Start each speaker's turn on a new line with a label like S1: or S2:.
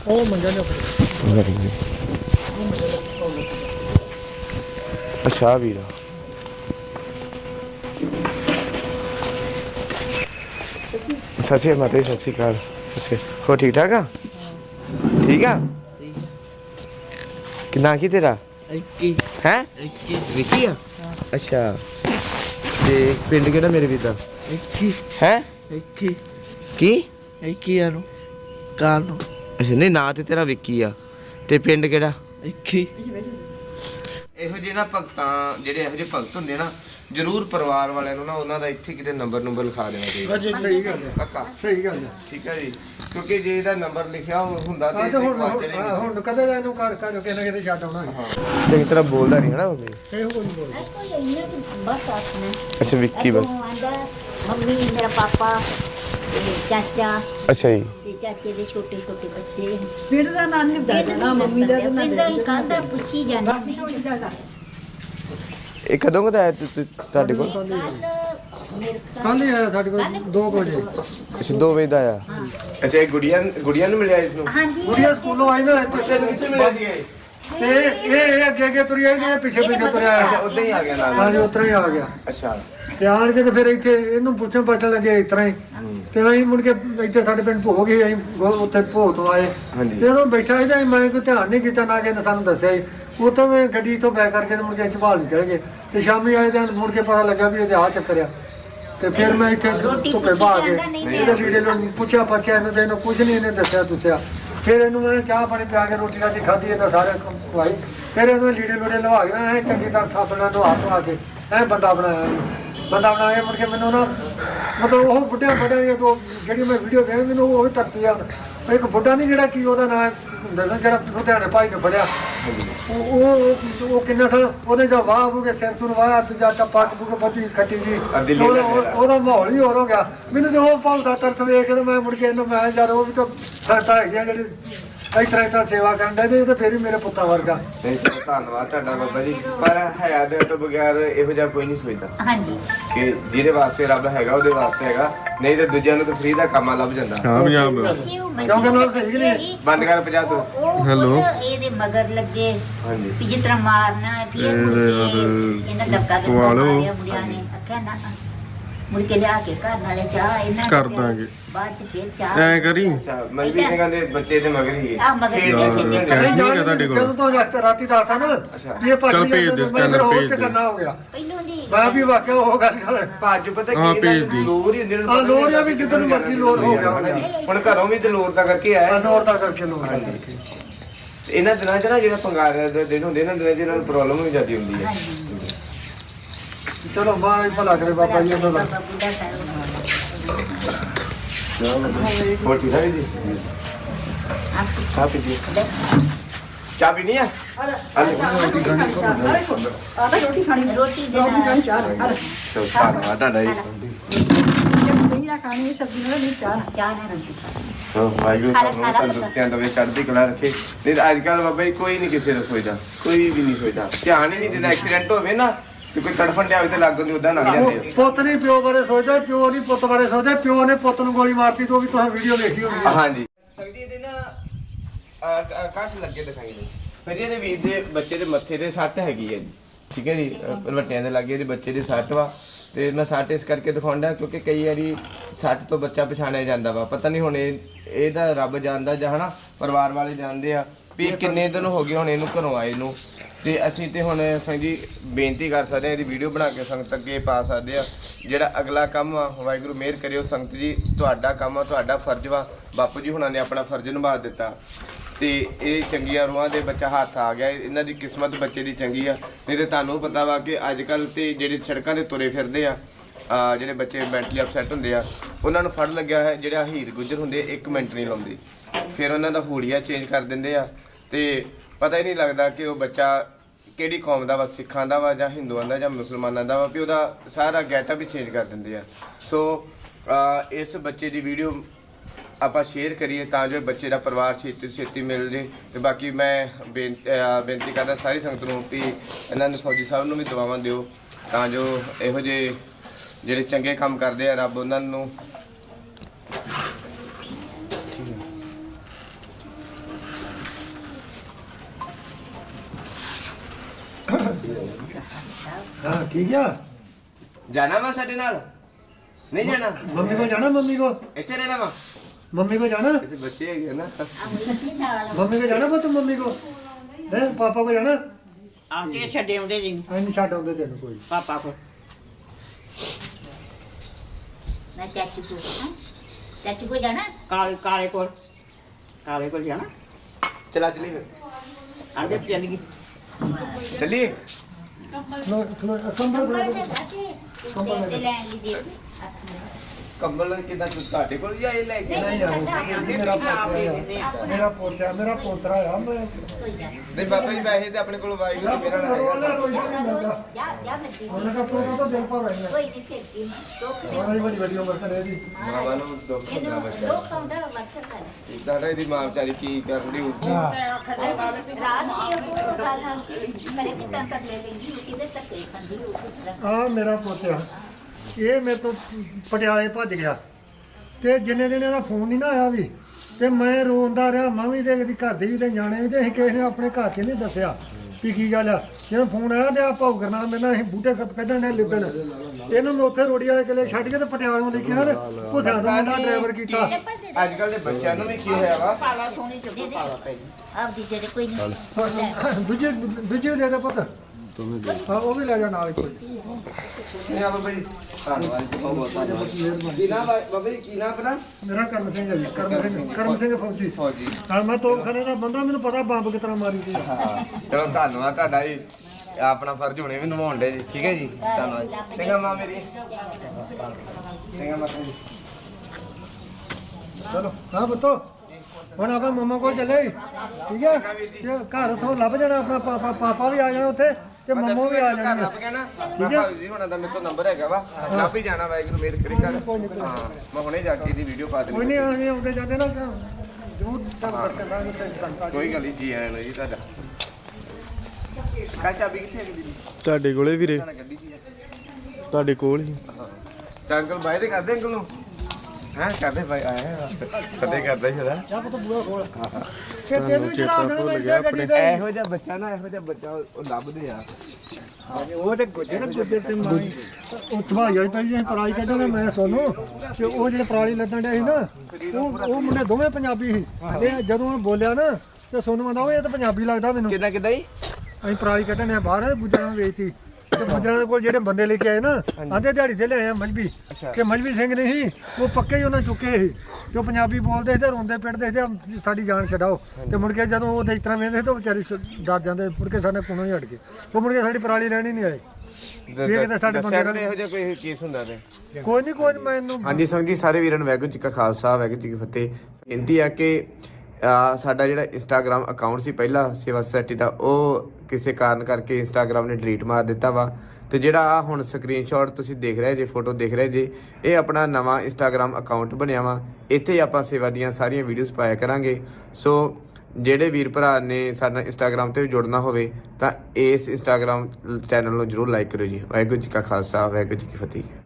S1: ਉਹ ਮੰਗਿਆ ਨੇ
S2: ਅੱਛਾ ਵੀਰਾ ਸਤਿ ਸ਼੍ਰੀ ਅਕਾਲ ਸਤਿ ਸ਼੍ਰੀ ਅਕਾਲ ਹੋ ਠੀਕ ਠਾਕ ਆ ਠੀਕ ਆ ਕਿੰਨਾ ਕੀ ਤੇਰਾ
S3: ਇੱਕੀ
S2: ਹੈ
S3: ਇੱਕੀ
S2: ਵਿਕੀ ਆ ਅੱਛਾ ਤੇ ਪਿੰਡ ਕਿਹੜਾ ਮੇਰੇ ਵੀਰ ਦਾ
S3: ਇੱਕੀ
S2: ਹੈ
S3: ਇੱਕੀ
S2: ਕੀ
S3: ਇੱਕੀ ਆ ਨੂੰ ਕਾਰ ਨੂੰ
S2: ਅੱਛਾ ਨਹੀਂ ਨਾਂ ਤੇ ਤੇਰਾ ਵਿੱਕੀ ਆ ਤੇ ਪਿੰਡ ਕਿਹੜਾ
S3: ਇੱਕੀ
S2: ਇਹੋ ਜਿਹੇ ਨਾ ਭਗਤਾਂ ਜਿਹੜੇ ਇਹੋ ਜਿਹੇ ਭਗਤ ਹੁੰਦੇ ਨਾ ਜ਼ਰੂਰ ਪਰਿਵਾਰ ਵਾਲਿਆਂ ਨੂੰ ਨਾ ਉਹਨਾਂ ਦਾ ਇੱਥੇ ਕਿਤੇ ਨੰਬਰ ਲਿਖਾ ਦੇਣਾ ਚਾਹੀਦਾ
S1: ਜੀ ਸਹੀ ਗੱਲ ਹੈ
S2: ਪੱਕਾ
S1: ਸਹੀ ਗੱਲ ਹੈ
S2: ਠੀਕ ਹੈ ਜੀ ਕਿਉਂਕਿ ਜੇ ਇਹਦਾ ਨੰਬਰ ਲਿਖਿਆ ਹੁੰਦਾ ਤੇ
S1: ਹੁਣ ਕਦੇ ਦਾ ਇਹਨੂੰ ਕਰ ਕਿਤੇ ਨਾ ਕਿਤੇ ਛੱਡ ਆਉਣਾ
S2: ਚੰਗੀ ਤਰ੍ਹਾਂ ਬੋਲਦਾ ਨਹੀਂ ਹਨਾ ਮੰਮੀ
S1: ਇਹ ਕੋਈ ਨਹੀਂ ਬੋਲਦਾ
S4: ਬਸ ਆਪਣਾ
S2: ਅੱਛਾ ਵਿੱਕੀ ਬਸ
S4: ਆਂਦਾ ਮੰਮੀ ਮੇਰਾ ਪਾਪਾ ਤੇ ਚਾਚਾ
S2: ਅੱਛਾ ਜੀ
S4: ਤੇ ਚਾਚੇ ਦੇ ਛੋਟੇ ਛੋਟੇ ਬੱਚੇ
S5: ਪਿੰਡ ਦਾ ਨਾਂ ਨਹੀਂ ਦੱਸਣਾ ਮੰਮੀ ਦਾ ਤੇ
S4: ਪਿੰਡ ਦਾ ਹੀ ਕਹਿੰਦਾ ਪੁੱਛੀ ਜਾਂਦਾ
S2: ਇਹ ਕਦੋਂ ਕਦਾ ਆਇਆ ਤੁਹਾਡੇ ਕੋਲ
S1: ਕੱਲ ਹੀ ਆਇਆ ਸਾਡੇ ਕੋਲ 2 ਵਜੇ
S2: ਅੱਛਾ 2 ਵਜੇ ਦਾ ਆਇਆ ਅੱਛਾ ਇਹ ਗੁੜੀਆਂ ਨੂੰ ਮਿਲਿਆ ਇਸ ਨੂੰ
S4: ਹਾਂਜੀ
S1: ਗੁੜੀਆ ਸਕੂਲੋਂ ਆਈ ਨਾ
S2: ਕਿੱਥੇ ਮਿਲਿਆ ਸੀ
S1: ਤੇ ਇਹ ਅੱਗੇ ਤੁਰੀ ਆਈ ਤੇ ਪਿੱਛੇ ਤੁਰਿਆ ਆਇਆ
S2: ਉਦਾਂ ਹੀ ਆ ਗਿਆ ਨਾਲ
S1: ਹਾਂਜੀ ਉਤਰਾ ਹੀ ਆ ਗਿਆ
S2: ਅੱਛਾ
S1: ਤੇ ਆਣ ਕੇ ਤੇ ਫਿਰ ਇੱਥੇ ਇਹਨੂੰ ਪੁੱਛਣ ਲੱਗੇ ਇਸ ਤਰ੍ਹਾਂ ਹੀ ਤੇ ਅਸੀਂ ਮੁੜ ਕੇ ਇੱਥੇ ਸਾਡੇ ਪਿੰਡ ਭੋਗ ਹੀ ਅਸੀਂ ਉੱਥੇ ਭੋਗ ਤੋਂ ਆਏ
S2: ਹਾਂਜੀ।
S1: ਤੇ ਜਦੋਂ ਬੈਠਾ ਸੀ ਤਾਂ ਮੈਂ ਕੋਈ ਧਿਆਨ ਨਹੀਂ ਕੀਤਾ ਨਾ ਕਿ ਸਾਨੂੰ ਦੱਸਿਆ ਸੀ ਉੱਥੋਂ ਮੈਂ ਗੱਡੀ ਤੋਂ ਬੈਕ ਕਰਕੇ ਤੇ ਮੁੜ ਕੇ ਝਬਾਲ ਨੂੰ ਚੜ੍ਹ ਗਏ ਤੇ ਸ਼ਾਮੀ ਆਏ ਤਾਂ ਮੁੜ ਕੇ ਪਤਾ ਲੱਗਾ ਵੀ ਇਹਦੇ ਆਹ ਚੱਕਰ ਆ ਤੇ ਫਿਰ ਮੈਂ ਇੱਥੇ ਧੁੱਪੇ ਬਾਹ ਕੇ ਇਹਦੇ ਵੀਡੀਓ ਨੂੰ ਪੁੱਛਿਆ ਇਹਨੂੰ ਤੇ ਇਹਨੂੰ ਕੁਝ ਨਹੀਂ ਇਹਨੇ ਦੱਸਿਆ ਫਿਰ ਇਹਨੂੰ ਮੈਂ ਚਾਹ ਪਾਣੀ ਪਿਆ ਕੇ ਰੋਟੀ ਰਾਟੀ ਖਾਧੀ ਇਹਦਾ ਸਾਰਾ ਖਵਾਈ ਫਿਰ ਇਹਨੂੰ ਲੀੜੇ ਲੋੜੇ ਲਵਾ ਕੇ ਨਾ ਐ ਚੰਗੀ ਤਰ੍ਹਾਂ ਸਾਬਣ ਨਾਲ ਧਵਾ ਕੇ ਐ ਬੰਦਾ ਬਣਾਇਆ ਮੁੜ ਕੇ ਮੈਨੂੰ ਨਾ ਮਤਲਬ ਉਹ ਬੁੱਢਿਆਂ ਦੀਆਂ ਤੋਂ ਜਿਹੜੀ ਮੈਂ ਵੀਡੀਓ ਵੇਖ ਮੈਨੂੰ ਉਹ ਵੀ ਤਰਤੀ ਆ ਇੱਕ ਬੁੱਢਾ ਨਹੀਂ ਜਿਹੜਾ ਕੀ ਉਹਦਾ ਨਾਂ ਹੁੰਦਾ ਨਾ ਜਿਹੜਾ ਲੁਧਿਆਣੇ ਭਾਈ ਨੇ ਫੜਿਆ ਉਹ ਕਿੰਨਾ ਥਾ ਉਹਨੇ ਜਾਂ ਵਾਹ ਬੂ ਕੇ ਸਿਰ ਸੁਣ ਵਾਹ ਤੇ ਜਾਂ ਤਾਂ ਪੱਕ ਬੁੱਕ ਬੱਤੀ ਖੱਟੀ ਜੀ ਉਹਦਾ ਮਾਹੌਲ ਹੀ ਹੋਰ ਹੋ ਗਿਆ ਮੈਨੂੰ ਤੇ ਉਹ ਭਾਉ ਤਰਸ ਵੇਖ ਕੇ ਮੈਂ ਮੁੜ ਕੇ ਇਹਨੂੰ ਮੈਂ ਯਾਰ ਉਹ ਵੀ ਤਾਂ ਸੰਤਾ ਹੈਗੀ ਜਿਹੜੀ ਇਸ ਤਰ੍ਹਾਂ ਸੇਵਾ ਕਰਨ ਦੇ ਤੇ ਫਿਰ ਵੀ ਮੇਰੇ ਪੁੱਤਾਂ ਵਰਗਾ
S2: ਨਹੀਂ ਧੰਨਵਾਦ ਤੁਹਾਡਾ ਬਾਬਾ ਜੀ ਪਰ ਹੈ ਦੇ ਤੋਂ ਬਗੈਰ ਇਹੋ ਜਿਹਾ ਕੋਈ ਨਹੀਂ ਸੋਚਦਾ
S4: ਹਾਂਜੀ
S2: ਕਿ ਜਿਹਦੇ ਵਾਸਤੇ ਰੱਬ ਹੈਗਾ ਉਹਦੇ ਵਾਸਤੇ ਹੈਗਾ ਨਹੀਂ ਤੇ ਦੂਜਿਆਂ ਨੂੰ ਤਾਂ ਫ੍ਰੀ ਦਾ ਕੰਮ ਲੱਭ ਜਾਂਦਾ
S1: ਕਿਉਂਕਿ ਨਾਲ ਸਹੀ ਨਹੀਂ
S2: ਬੰਦ ਕਰ 50 ਤੋਂ
S4: ਹੈਲੋ ਇਹਦੇ ਮਗਰ ਲੱਗੇ
S2: ਹਾਂਜੀ
S4: ਵੀ ਜਿਸ ਤਰ੍ਹਾਂ ਮਾਰਨਾ ਫਿਰ ਇਹਨਾਂ ਧੱਕਾ ਦੇ ਮਾਰਿਆ ਮੁੰਡਿਆਂ ਨੇ ਆਖਿਆ ਨਾ ਮੁੜ ਕੇ ਲਿਆ ਕੇ ਘਰ ਨਾਲੇ ਚਾਹ ਇਹਨਾਂ
S6: ਕਰ ਦਾਂਗੇ
S4: ਬਾਅਦ ਚ ਫਿਰ ਚਾਹ
S6: ਐ ਕਰੀ
S2: ਅੱਛਾ ਮਜਬੀ ਨੇ ਕਹਿੰਦੇ ਬੱਚੇ ਦੇ ਮਗਰ ਹੀ
S4: ਆ ਮਗਰ
S2: ਖੇਡਦੇ
S4: ਖੇਡਦੇ
S6: ਕੈਸ਼ ਨਹੀਂ ਹੈਗਾ ਤੁਹਾਡੇ ਕੋਲ
S1: ਜਦੋਂ ਤੋਂ ਰਾਤੀ ਦਾ ਆਤਾ ਨਾ ਵੀ ਇਹ
S6: ਚੱਲ ਭੇਜ ਦੇ, ਸਕੈਨਰ ਭੇਜ ਦੇ।
S1: ਕਰਨਾ ਹੋ ਗਿਆ
S4: ਪਹਿਲੋਂ ਦੀ
S1: ਮੈਂ ਵੀ ਵਾਕਿਆ ਉਹ ਗੱਲ ਕਰ
S2: ਭਾਜ ਪਤਾ
S6: ਹਾਂ,
S2: ਕੀ
S6: ਭੇਜ
S2: ਇਹਨਾਂ
S6: ਦੀ।
S2: ਲੋਰ ਹੀ ਹੁੰਦੇ ਨੇ
S1: ਹਾਂ, ਲੋਰ ਆ ਵੀ ਜਿੱਧਰ ਨੂੰ ਮਰਜ਼ੀ ਲੋਰ ਹੋ ਗਿਆ
S2: ਹੁਣ ਘਰੋਂ ਵੀ ਤੇ ਲੋਰ ਦਾ ਕਰਕੇ ਆਇਆ
S1: ਨੌਰ ਦਾ ਕਰਕੇ ਲੋਰ ਆ
S2: ਇਹਨਾਂ ਦਿਨਾਂ 'ਚ ਨਾ ਜਿਹੜਾ ਪੰਗਾਰ ਦੇ ਦਿਨ ਹੁੰਦੇ ਇਹਨਾਂ ਦਿਨਾਂ 'ਚ ਇਹਨਾਂ ਨੂੰ ਪ੍ਰੋਬਲਮ ਵੀ ਜ਼ਿਆਦਾ ਹੁੰਦੀ ਹੈ
S1: ਚਲੋ ਮਾਂ ਭਲਾ ਕਰੇ ਬਾਬਾ ਜੀ ਉਹਨਾਂ ਦਾ
S4: ਬਾਬਾ ਬੁੱਢਾ ਸਾਹਿਬ
S2: ਹੋਰ ਠੀਕ ਹੈ ਜੀ ਚਾਹ ਪੀ ਜੀ ਚਾਹ ਪੀਣੀ ਆ
S5: ਰੋਟੀ ਖਾਣੀ
S4: ਰੋਟੀ ਜਨਾ
S2: ਚਲੋ ਧੰਨਵਾਦ ਤੁਹਾਡਾ ਜੀ
S5: ਦਹੀਂ ਨਾ ਖਾਣੀ ਸਬਜ਼ੀ ਨਾਲ ਨਹੀਂ ਚਾਹ
S4: ਚਾਹ ਨਾ ਰੋਟੀ
S2: ਵਾਹਿਗੁਰੂ ਸਾਨੂੰ ਤੰਦਰੁਸਤੀਆਂ ਦੇਵੇ ਚੜ੍ਹਦੀ ਕਲਾ ਰੱਖੇ ਨਹੀਂ ਤਾਂ ਅੱਜ ਕੱਲ੍ਹ ਬਾਬਾ ਜੀ ਕੋਈ ਨਹੀਂ ਕਿਸੇ ਦਾ ਸੋਚਦਾ ਕੋਈ ਵੀ ਨਹੀਂ ਸੋਚਦਾ ਧਿਆਨ ਹੀ ਨਹੀਂ ਦਿੰਦਾ ਐਕਸੀਡੈਂਟ ਹੋਵੇ ਨਾ ਤੇ ਕੋਈ ਤੜਫਣ ਡਿਆ ਹੋਵੇ ਤੇ ਲੱਗ ਹੁੰਦੀ ਉਦਾਂ ਲੰਘ ਜਾਂਦੇ ਆ
S1: ਪੁੱਤ ਨਹੀਂ ਪਿਓ ਬਾਰੇ ਸੋਚਦਾ ਪਿਓ ਨਹੀਂ ਪੁੱਤ ਬਾਰੇ ਸੋਚਦਾ ਪਿਓ ਨੇ ਪੁੱਤ ਨੂੰ ਗੋਲੀ ਮਾਰਤੀ ਤੋਂ ਵੀ ਤੁਸੀਂ ਵੀਡੀਓ ਦੇਖੀ ਹੋਣੀ
S2: ਹਾਂਜੀ ਸਕਦੀ ਦੇ ਨਾ ਆਕਾਸ਼ ਲੱਗੇ ਦਿਖਾਈ ਦੇ ਫਿਰ ਇਹਦੇ ਵੀਰ ਦੇ ਬੱਚੇ ਦੇ ਮੱਥੇ ਤੇ ਸੱਟ ਹੈਗੀ ਹੈ ਜੀ ਠੀਕ ਹੈ ਜੀ ਵੱਟਿਆਂ ਦੇ ਲੱਗੇ ਇਹਦੇ ਬੱਚੇ ਦੇ ਸੱਟ ਵਾ ਤੇ ਮੈਂ ਸੱਟ ਇਸ ਕਰਕੇ ਦਿਖਾਉਂਦਾ ਕਿਉਂਕਿ ਕਈ ਵਾਰੀ ਸੱਟ ਤੋਂ ਬੱਚਾ ਪਛਾਣਿਆ ਜਾਂਦਾ ਵਾ ਪਤਾ ਨਹੀਂ ਹੁਣ ਇਹਦਾ ਰੱਬ ਜਾਣਦਾ ਜਾਂ ਹਨਾ ਪਰਿਵਾਰ ਵਾਲੇ ਜਾਣਦੇ ਆ ਵੀ ਕਿੰਨੇ ਦਿਨ ਹੋ ਗਏ ਹੁਣ ਇਹਨੂੰ ਘਰੋਂ ਆਏ ਨੂੰ ਤੇ ਅਸੀਂ ਤੇ ਹੁਣ ਸੰਜੀ ਬੇਨਤੀ ਕਰ ਸਕਦੇ ਆ ਇਹਦੀ ਵੀਡੀਓ ਬਣਾ ਕੇ ਸੰਗਤ ਅੱਗੇ ਪਾ ਸਕਦੇ ਆ ਜਿਹੜਾ ਅਗਲਾ ਕੰਮ ਆ ਵਾਹਿਗੁਰੂ ਮਿਹਰ ਕਰਿਓ ਸੰਗਤ ਜੀ ਤੁਹਾਡਾ ਕੰਮ ਆ ਤੁਹਾਡਾ ਫਰਜ਼ ਵਾ ਬਾਪੂ ਜੀ ਹੁਣਾਂ ਨੇ ਆਪਣਾ ਫਰਜ਼ ਨਿਭਾ ਦਿੱਤਾ ਤੇ ਇਹ ਚੰਗੀਆਂ ਰੂਹਾਂ ਦੇ ਬੱਚਾ ਹੱਥ ਆ ਗਿਆ ਇਹਨਾਂ ਦੀ ਕਿਸਮਤ ਬੱਚੇ ਦੀ ਚੰਗੀ ਆ ਨਹੀਂ ਤੇ ਤੁਹਾਨੂੰ ਪਤਾ ਵਾ ਕਿ ਅੱਜ ਕੱਲ੍ਹ ਤੇ ਜਿਹੜੇ ਸੜਕਾਂ 'ਤੇ ਤੁਰੇ ਫਿਰਦੇ ਆ ਜਿਹੜੇ ਬੱਚੇ ਮੈਂਟਲੀ ਅਪਸੈਟ ਹੁੰਦੇ ਆ ਉਹਨਾਂ ਨੂੰ ਫੜ ਲੱਗਿਆ ਹੈ ਜਿਹੜਾ ਹੀਰ ਗੁੱਜਰ ਹੁੰਦੇ 1 ਮਿੰਟ ਨਹੀਂ ਲਾਉਂਦੇ ਫਿਰ ਉਹਨਾਂ ਦਾ ਹੂਲੀਆ ਚੇਂਜ ਕਰ ਦਿੰਦੇ ਆ ਤੇ ਪਤਾ ਹੀ ਨਹੀਂ ਲੱਗਦਾ ਕਿ ਉਹ ਬੱਚਾ ਕਿਹੜੀ ਕੌਮ ਦਾ ਵਾ ਸਿੱਖਾਂ ਦਾ ਵਾ ਜਾਂ ਹਿੰਦੂਆਂ ਦਾ ਜਾਂ ਮੁਸਲਮਾਨਾਂ ਦਾ ਵਾ ਵੀ ਉਹਦਾ ਸਾਰਾ ਗੈਟਅਪ ਵੀ ਚੇਂਜ ਕਰ ਦਿੰਦੇ ਆ ਸੋ ਇਸ ਬੱਚੇ ਦੀ ਵੀਡੀਓ ਆਪਾਂ ਸ਼ੇਅਰ ਕਰੀਏ ਤਾਂ ਜੋ ਬੱਚੇ ਦਾ ਪਰਿਵਾਰ ਛੇਤੀ ਮਿਲ ਜੇ ਤੇ ਬਾਕੀ ਮੈਂ ਬੇਨਤੀ ਕਰਦਾ ਸਾਰੀ ਸੰਗਤ ਨੂੰ ਵੀ ਇਹਨਾਂ ਨੂੰ ਫੌਜੀ ਸਾਹਿਬ ਨੂੰ ਵੀ ਦੁਆਵਾਂ ਦਿਓ ਤਾਂ ਜੋ ਇਹੋ ਜਿਹੇ ਜਿਹੜੇ ਚੰਗੇ ਕੰਮ ਕਰਦੇ ਆ ਰੱਬ ਉਹਨਾਂ ਨੂੰ
S1: ਠੀਕ ਆ
S2: ਜਾਣਾ ਵਾ ਸਾਡੇ ਨਾਲ ਨਹੀਂ ਜਾਣਾ
S1: ਮੰਮੀ ਕੋ ਜਾਣਾ ਮੰਮੀ ਕੋ
S2: ਇੱਥੇ ਰਹਿਣਾ ਵਾ
S1: ਮੰਮੀ ਕੋ ਜਾਣਾ
S2: ਇੱਥੇ ਬੱਚੇ ਹੈਗੇ ਨਾ
S4: ਆ ਮੁੜੀ ਕਿੱਥੇ ਨਾਲ
S1: ਮੰਮੀ ਕੋ ਜਾਣਾ ਪੁੱਤ ਮੰਮੀ ਕੋ ਹੈ ਪਾਪਾ ਕੋ ਜਾਣਾ
S7: ਆ ਕੇ ਛੱਡੇ ਆਉਂਦੇ ਜੀ
S1: ਐ ਨਹੀਂ ਛੱਡ ਆਉਂਦੇ ਤੈਨੂੰ ਕੋਈ
S7: ਪਾਪਾ ਕੋ
S4: ਮੈਂ ਚਾਚੂ ਕੋ ਹਾਂ ਚਾਚੂ ਕੋ ਜਾਣਾ
S7: ਕਾਲੇ ਕੋਲ ਜਾਣਾ
S2: ਚਲਾ ਚਲੀ ਫਿਰ
S7: ਆਂਦੇ ਚੱਲ ਗਈ
S2: ਚੱਲੀਏ
S1: ਕੰਬਲ
S4: ਕੰਬਲ
S1: ਬਣਾ
S4: ਤੇ ਬਾਕੀ ਤੇ ਲੈਣ ਲਈ ਦੇ
S2: ਕੰਬਲ ਕਿਦਾਂ ਤੂੰ ਤੁਹਾਡੇ ਕੋਲ ਜਾਂ ਇਹ ਲੈ ਕੇ
S1: ਨਹੀਂ ਯਾਰ ਮੇਰਾ ਪੋਤਰਾ ਆ ਮੈਂ
S4: ਕੋਈ ਗੱਲ ਨੀ।
S2: ਨਹੀਂ ਬਾਬਾ ਜੀ ਵੈਸੇ ਤੇ ਆਪਣੇ ਕੋਲ ਵਾਹਿਗੁਰੂ ਮੇਰਾ ਨਾਲ ਹੈਗਾ
S1: ਕੋਈ ਨਹੀਂ ਲੱਗਾ
S4: ਜਾ ਮੈਂ ਦੀ
S1: ਉਹਨੇ ਕਹਾ ਤੂੰ ਤਾਂ ਦਿਲ ਭਰ ਆਈ
S4: ਕੋਈ ਨਹੀਂ ਛੇਤੀ ਦੁੱਖ ਦੇ
S1: ਮਾਰਾ ਹੀ ਵੱਡੀ ਉਮਰ ਕਰੇ ਦੀ
S2: ਮਾਵਾ ਨੂੰ ਦੁੱਖ ਹੁੰਦਾ
S4: ਇਹਨੂੰ
S2: ਬੱਚਾ
S4: ਦੁੱਖ ਆਉਂਦਾ ਲੱਛਣ ਕਰ
S2: ਦਾਦਾ ਇਹਦੀ ਮਾਂ ਵਿਚਾਰੀ ਕੀ ਕਰਨ ਦੀ ਉੱਠੀ
S4: ਰਾਤ ਦੀ ਉਹ ਗੱਲ ਕਰੇ ਕਿ ਤਾਂ ਕਰ ਲੈ ਲੈਂਦੀ ਉਹ ਕਿਤੇ ਧੱਕੇ ਖਾਂਦੀ ਉਹ ਕਿਸ ਤਰ੍ਹਾਂ
S1: ਆ ਮੇਰਾ ਪੋਤਿਆ ਇਹ ਮੇਰੇ ਤੋਂ ਪਟਿਆਲੇ ਭੱਜ ਗਿਆ ਤੇ ਜਿੰਨੇ ਦਿਨ ਇਹਦਾ ਫੋਨ ਨਹੀਂ ਨਾ ਆਇਆ ਵੀ ਤੇ ਮੈਂ ਰੋਂਦਾ ਰਿਹਾ ਮੈਂ ਵੀ ਤੇ ਇਹਦੀ ਘਰ ਦੀ ਵੀ ਤੇ ਜਾਣੇ ਵੀ ਤੇ ਅਸੀਂ ਕਿਸੇ ਨੇ ਆਪਣੇ ਘਰ 'ਚ ਨਹੀਂ ਦੱਸਿਆ ਵੀ ਕੀ ਗੱਲ ਆ ਜਦੋਂ ਫੋਨ ਆਇਆ ਤੇ ਆ ਭੌਗਰਨਾ ਮੇਰੇ ਨਾਲ ਅਸੀਂ ਬੂਟੇ ਕੱਢਣ ਨੇ ਲਿੱਦਣ ਇਹਨੂੰ ਮੈਂ ਉੱਥੇ ਰੋੜੀ ਵਾਲੇ ਕਿਲੇ ਛੱਡ ਕੇ ਤੇ ਪਟਿਆਲੇ ਲੈ ਕੇ ਆ ਤੇ ਭੁੱਥਿਆਂ ਦਾ ਮੁੰਡਾ ਡਰਾਈਵਰ ਕੀਤਾ
S2: ਅੱਜ ਕੱਲ ਦੇ ਬੱਚਿਆਂ ਨੂੰ ਵੀ ਕੀ ਹੋਇਆ ਵਾ
S7: ਪਾਲਾ ਸੋਹਣੀ ਚ ਪਾਲਾ ਪੈ
S4: ਆਪਦੀ ਜਿਹੜੇ ਕੋਈ ਨਹੀਂ
S1: ਦੂਜੇ ਦੇ ਦੇ ਪੁੱਤ ਹਾਂ ਉਹ ਵੀ ਲੈ ਜਾ ਨਾਲ ਕੋਈ
S2: ਨਹੀਂ ਆ ਬਾਬਾ ਜੀ ਧੰਨਵਾਦ ਜੀ ਬਹੁਤ ਬਹੁਤ ਧੰਨਵਾਦ ਕੀ ਨਾਮ ਬਾਬਾ ਜੀ ਕੀ ਨਾਮ ਪਤਾ
S1: ਮੇਰਾ ਕਰਮ ਸਿੰਘ ਹੈ ਜੀ ਕਰਮ ਸਿੰਘ ਫੌਜੀ
S2: ਫੌਜੀ
S1: ਹਾਂ ਮੈਂ ਤੋਪਖਾਨੇ ਦਾ ਬੰਦਾ ਮੈਨੂੰ ਪਤਾ ਬੰਬ ਕਿਸ ਤਰ੍ਹਾਂ ਮਾਰੀ ਦੀ
S2: ਹਾਂ ਚਲੋ ਧੰਨਵਾਦ ਤੁਹਾਡਾ ਜੀ ਆਪਣਾ ਫਰਜ਼ ਹੁਣੇ ਵੀ ਨਿਭਾਉਣ ਦੇ ਜੀ ਠੀਕ ਹੈ ਜੀ ਧੰਨਵਾਦ ਚੰਗਾ ਮਾਂ ਮੇਰੀ ਚੰਗਾ ਮਾਂ ਜੀ
S1: ਚਲੋ ਹਾਂ ਪੁੱਤੋ ਹੁਣ ਆਪਾਂ ਮੰਮਾ ਕੋਲ ਚੱਲੇ ਠੀਕ ਹੈ ਤੇ ਘਰ ਉਥੋਂ ਲੱਭ ਜਾਣਾ ਆਪਣਾ ਪਾਪਾ ਵੀ ਆ ਜਾਣਾ ਉੱਥੇ ਤੇ ਮੰਮਾ ਵੀ ਆ
S2: ਘਰ
S1: ਜਾਣੀ
S2: ਲੱਭ ਗਿਆ ਨਾ ਮੈਂ ਭਾਜੀ ਜੀ ਹੁਣਾਂ ਦਾ ਮੇਰੇ ਤੋਂ ਨੰਬਰ ਹੈਗਾ ਵਾ ਲੱਭ ਹੀ ਜਾਣਾ ਵਾਹਿਗੁਰੂ ਮੇਰ ਕਰੀ ਕਰ ਹਾਂ ਮੈਂ ਹੁਣੇ ਜਾ ਕੇ ਇਹਦੀ ਵੀਡੀਓ ਪਾ
S1: ਕੋਈ
S2: ਦੇਣੀ
S1: ਨਹੀਂ ਆਉਂਦੇ ਜਾਂਦੇ ਨਾ ਜ਼ਰੂਰ ਤੁਹਾਨੂੰ ਦੱਸੇ ਬਾਅਦ ਤੇ ਸੰਤਾਂ
S2: ਕੋਈ ਗੱਲ ਨਹੀਂ ਜੀ ਆਇਆਂ ਨੂੰ ਜੀ ਤੁਹਾਡਾ ਕਾ ਚਾਬੀ ਕਿੱਥੇ ਹੈ ਦੀਦੀ
S6: ਤੁਹਾਡੇ ਕੋਲੇ ਵੀਰੇ
S2: ਗੱਡੀ ਸੀ
S6: ਤੁਹਾਡੇ ਕੋਲ ਹੀ
S2: ਤਾਂ ਅੰਕਲ ਬਾਈ ਦੇ ਕਰਦੇ ਅੰਕਲ ਨੂੰ ਹਾਂ ਕਰਦੇ ਬਾਈ ਆਇਆ ਕਦੇ ਕਰਦਾ ਹੀ ਹੁੰਦਾ
S1: ਜਾ ਪੁੱਤ ਬੂਹਾ ਖੋਲ ਤੇ ਤੈਨੂੰ ਚੜਾ ਦੇਣਾ ਮੈਂ ਇਸੇ ਗੱਡੀ ਤੇ
S2: ਇਹੋ ਜਿਹਾ ਬੱਚਾ ਨਾ ਇਹੋ ਜਿਹਾ ਬੱਚਾ ਉਹ ਲੱਭਦੇ ਆ
S1: ਉਹ ਤੇ ਗੁੱਜਰ ਤੇ ਮਾਰੀ ਉਹ ਤਬਾਈ ਵਾਲੀ ਪਈ ਜਿਹੀ ਪਰਾਲੀ ਕੱਢਣਾ ਮੈਂ ਸੋਨੂੰ ਤੇ ਉਹ ਜਿਹੜੇ ਪਰਾਲੀ ਲੱਦਣ ਡਿਆ ਸੀ ਨਾ ਉਹ ਮੁੰਡੇ ਦੋਵੇਂ ਪੰਜਾਬੀ ਸੀ ਤੇ ਜਦੋਂ ਉਹ ਬੋਲਿਆ ਨਾ ਤੇ ਸੋਨੂੰ ਆਂਦਾ ਉਹ ਇਹ ਤਾਂ ਪੰਜਾਬੀ ਲੱਗਦਾ ਮੈਨੂੰ
S2: ਕਿੱਦਾਂ ਕਿੱਦਾਂ ਜੀ
S1: ਅਸੀਂ ਪਰਾਲੀ ਕੱਢਣੇ ਬਾਹਰ ਗੁੱਜਰਾਂ ਨੂੰ ਵੇਚਤੀ ਤੇ ਗੁੱਜਰਾਂ ਦੇ ਕੋਲ ਜਿਹੜੇ ਬੰਦੇ ਲੈ ਕੇ ਆਏ ਨਾ ਆਂਦੇ ਦਿਹਾੜੀ ਤੇ ਲਿਆਏ ਆ ਮਜਬੀ ਕਿ ਮਜਬੀ ਸਿੰਘ ਨਹੀਂ ਸੀ ਉਹ ਪੱਕੇ ਹੀ ਉਹਨਾਂ ਚੁੱਕੇ ਸੀ ਤੇ ਉਹ ਪੰਜਾਬੀ ਬੋਲਦੇ ਸੀ ਤੇ ਰੋਂਦੇ ਪਿੱਟਦੇ ਸੀ ਤੇ ਸਾਡੀ ਜਾਨ ਛਡਾਓ ਤੇ ਮੁੜ ਕੇ ਜਦੋਂ ਉਹ ਇਸ ਤਰ੍ਹਾਂ ਵੇਂਦੇ ਤੇ ਉਹ ਵਿਚਾਰੇ ਡਰ ਜਾਂਦੇ ਮੁੜ ਕੇ ਸਾਡੇ ਕੋਲੋਂ ਹੀ ਹਟ ਗਏ ਉਹ ਮੁੜ ਕੇ ਸਾਡੀ ਪਰਾਲੀ ਰਹਿਣੀ ਨਹੀਂ ਆਏ ਕਿਤੇ ਸਾਡੇ ਬੰਦੇ
S2: ਦੱਸਿਆ ਇਹੋ ਜਿਹਾ ਕੋਈ ਕੇਸ ਹੁੰਦਾ ਤੇ
S1: ਕੋਈ ਨਹੀਂ ਮੈਨੂੰ
S2: ਹਾਂਜੀ ਸੰਗਤ ਜੀ ਸਾਰੇ ਵੀਰਾਂ ਨੂੰ ਵਾਹਿਗੁਰੂ ਜੀ ਕਾ ਖਾਲਸਾ ਵਾਹਿਗੁਰੂ ਜੀ ਕੀ ਫਤਿਹ ਬੇਨਤੀ ਆ ਕਿ ਸਾਡਾ ਜਿਹੜਾ ਇੰਸਟਾਗ੍ਰਾਮ ਅਕਾਊਂਟ ਸੀ ਪਹਿਲਾ ਸੇਵਾ ਸੁਸਾਇਟੀ ਦਾ ਉਹ ਕਿਸੇ ਕਾਰਨ ਕਰਕੇ ਇੰਸਟਾਗ੍ਰਾਮ ਨੇ ਡਿਲੀਟ ਮਾਰ ਦਿੱਤਾ ਵਾ ਤੇ ਜਿਹੜਾ ਆ ਹੁਣ ਸਕਰੀਨਸ਼ਾਟ ਤੁਸੀਂ ਦੇਖ ਰਹੇ ਜੇ ਫੋਟੋ ਦੇਖ ਰਹੇ ਜੇ ਇਹ ਆਪਣਾ ਨਵਾਂ ਇੰਸਟਾਗ੍ਰਾਮ ਅਕਾਊਂਟ ਬਣਿਆ ਵਾ ਇੱਥੇ ਆਪਾਂ ਸੇਵਾ ਦੀਆਂ ਸਾਰੀਆਂ ਵੀਡੀਓਜ਼ ਪਾਇਆ ਕਰਾਂਗੇ ਸੋ ਜਿਹੜੇ ਵੀਰ ਭਰਾ ਨੇ ਸਾਡਾ ਇੰਸਟਾਗ੍ਰਾਮ ਤੇ ਜੁੜਨਾ ਹੋਵੇ ਤਾਂ ਇਸ ਇੰਸਟਾਗ੍ਰਾਮ ਚੈਨਲ ਨੂੰ ਜਰੂਰ ਲਾਈਕ ਕਰਿਓ ਜੀ ਵਾਹਿਗੁਰੂ ਜੀ ਕਾ ਖਾਲਸਾ ਵਾਹਿਗੁਰੂ ਜੀ ਕੀ ਫਤਿਹ